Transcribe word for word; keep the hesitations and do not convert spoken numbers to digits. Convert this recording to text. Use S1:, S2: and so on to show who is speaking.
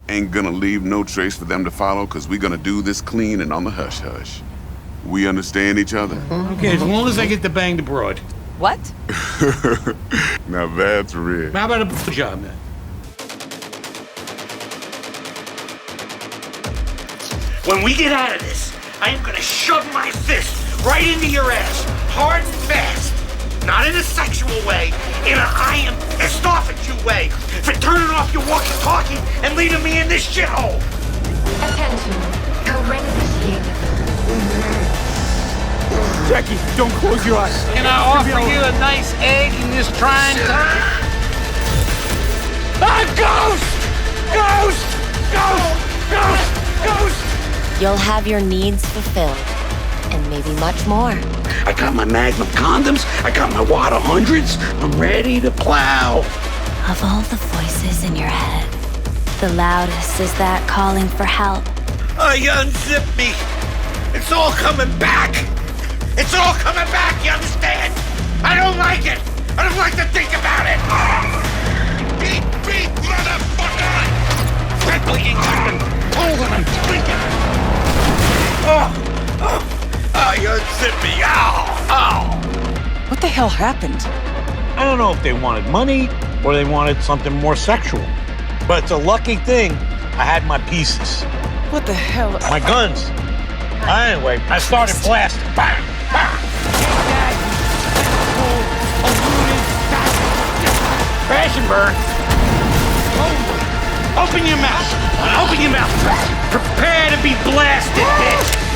S1: ain't gonna leave no trace for them to follow, because we're gonna do this clean and on the hush-hush. We understand each other?
S2: Okay, as long as I get to bang the broad.
S3: What?
S1: Now that's real.
S2: How about a job, then? When we get out of this, I am gonna shove my fist right into your ass, hard and fast. Not in a sexual way, in a I am pissed off at you way, for turning off your walkie-talkie and leaving me in this shithole.
S4: Attention. Code red initiated.
S5: Jackie, don't close your eyes.
S6: Can I offer you a nice egg in this trying time?
S5: Ah, ghost! Ghost! Ghost! Ghost! Ghost!
S3: You'll have your needs fulfilled, and maybe much more.
S2: I got my Magnum condoms, I got my Wada hundreds, I'm ready to plow.
S7: Of all the voices in your head, the loudest is that calling for help.
S2: Oh, you unzip me. It's all coming back. It's all coming back, you understand? I don't like it. I don't like to think about it. Beat, beat, motherfucker! Red bleeding something. Holding and blinking. Oh, oh, oh, you unzip me. Ow, ow.
S6: What the hell happened? I don't know if they wanted money or they wanted something more sexual. But it's a lucky thing I had my pieces.
S3: What the hell?
S6: My guns. Anyway, I started blasting. Bang, bang.
S2: Crash and burn. Open your mouth. Open your mouth. Prepare to be blasted, bitch.